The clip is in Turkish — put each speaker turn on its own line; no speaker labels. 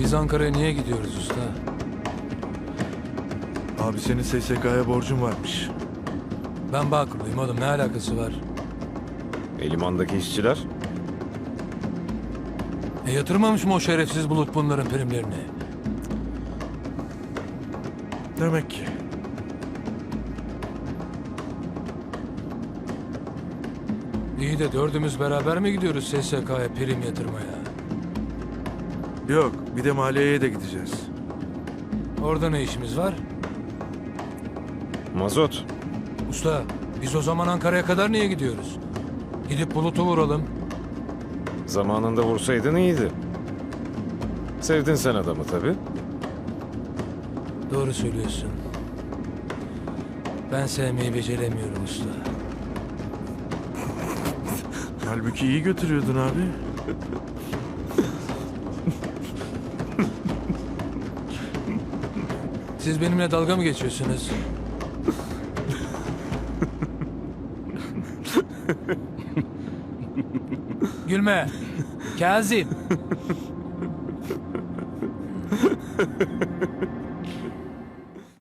Biz Ankara'ya niye gidiyoruz usta?
Abi senin SSK'ya borcun varmış.
Ben Bağkur'luyum oğlum, ne alakası var?
Limandaki işçiler?
Yatırmamış mı o şerefsiz Bulut bunların primlerini?
Demek ki.
İyi de dördümüz beraber mi gidiyoruz SSK'ya prim yatırmaya?
Yok, bir de maliyeye de gideceğiz.
Orada ne işimiz var?
Mazot.
Usta, biz o zaman Ankara'ya kadar niye gidiyoruz? Gidip Bulut'u vuralım.
Zamanında vursaydın iyiydi. Sevdin sen adamı tabii.
Doğru söylüyorsun. Ben sevmeyi beceremiyorum usta.
Halbuki iyi götürüyordun abi.
Siz benimle dalga mı geçiyorsunuz? Gülme. Kazım.